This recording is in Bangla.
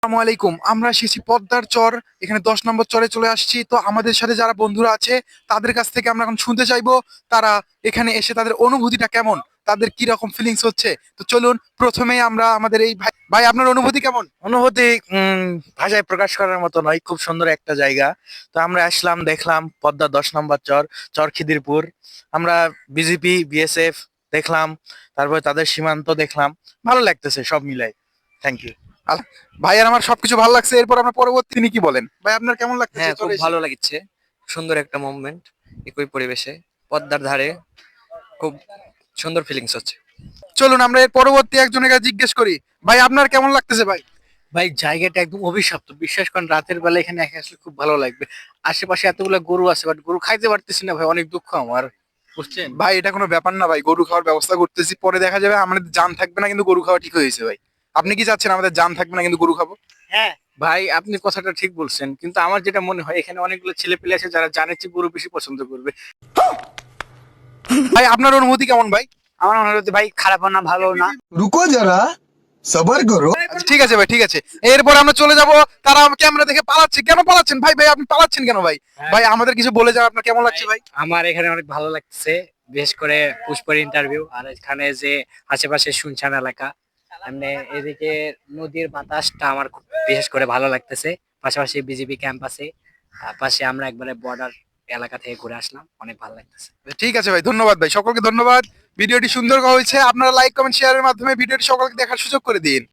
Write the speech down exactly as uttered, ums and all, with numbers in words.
আসসালামু আলাইকুম। আমরা এসেছি পদ্মার চর, এখানে দশ নম্বর চরে চলে আসছি। তো আমাদের সাথে যারা বন্ধুরা আছে তাদের কাছ থেকে আমরা এখন শুনতে চাইবো তারা এখানে এসে তাদের অনুভূতিটা কেমন, তাদের কি রকম ফিলিংস হচ্ছে। তো চলুন প্রথমেই আমরা আমাদের এই ভাই ভাই আপনার অনুভূতি কেমন? অনুভূতি উম ভাষায় প্রকাশ করার মতো নয়, খুব সুন্দর একটা জায়গা। তো আমরা আসলাম, দেখলাম পদ্মা দশ নম্বর চর, চর খিদিরপুর। আমরা বিজেপি বিএসএফ দেখলাম, তারপরে তাদের সীমান্ত দেখলাম। ভালো লাগতেছে সব মিলাই। Thank you. আল- ভাইয়ার আমার সবকিছু ভালো লাগছে। এরপর আমরা পরবর্তী তিনি কি বলেন, ভাই আপনার কেমন লাগতেছে হ্যাঁ, খুব চলে এসে? ভালো লাগছে। সুন্দর একটা মুভমেন্ট, একই পরিবেশে পদ্মার ধারে খুব সুন্দর ফিলিংস হচ্ছে। চলুন আমরা এর পরবর্তী একজনের কাছে জিজ্ঞেস করি, ভাই আপনার কেমন লাগতেছে ভাই? ভাই জায়গাটা একদম অভিশপ্ত, বিশ্বাস করেন রাতের বেলা এখানে একা আসলে খুব ভালো লাগবে। আশেপাশে এতগুলো গরু আছে, বাট গরু খাইতে পারতেছি না ভাই, অনেক দুঃখ আমার, বুঝছেন? ভাই এটা কোনো ব্যাপার না ভাই, গরু খাওয়ার ব্যবস্থা করতেছি, পরে দেখা যাবে আমাদের জান থাকবে না কিন্তু গরু খাওয়া ঠিক হয়েছে ভাই। আপনি কি চাচ্ছেন আমাদের জান থাকবে না কিন্তু গরু খাবো? হ্যাঁ ভাই, আপনি কথাটা ঠিক বলছেন, কিন্তু আমার যেটা মনে হয় এখানে অনেকগুলো ছেলে পেলে আছে যারা জানে যে গরু বেশি পছন্দ করবে। ভাই আপনার অনুভূতি কেমন ভাই? আমার মনে হচ্ছে ভাই খারাপও না ভালো না। रुको जरा सबर करो। আচ্ছা ঠিক আছে ভাই, ঠিক আছে। এরপর আমরা চলে যাব। তারা ক্যামেরা দেখে পালাচ্ছে, কেন পালাচ্ছেন ভাই? ভাই আপনি পালাচ্ছেন কেন ভাই? ভাই আমাদের কিছু বলে যান, আপনার কেমন লাগছে ভাই? আমার এখানে অনেক ভালো লাগছে, বিশেষ করে পুষ্পের ইন্টারভিউ আর এখানে যে আশেপাশে শুনশান এলাকা, এমনি এদিকে নদীর বাতাসটা আমার খুব বিশেষ করে ভালো লাগতেছে। পাশাপাশি বিজিবি ক্যাম্প আছে, আহ, পাশে আমরা একবারে বর্ডার এলাকা থেকে ঘুরে আসলাম, অনেক ভালো লাগতেছে। ঠিক আছে ভাই, ধন্যবাদ ভাই, সকলকে ধন্যবাদ। ভিডিওটি সুন্দর হয়েছে, আপনারা লাইক কমেন্ট শেয়ারের মাধ্যমে ভিডিওটি সকলকে দেখার সুযোগ করে দিন।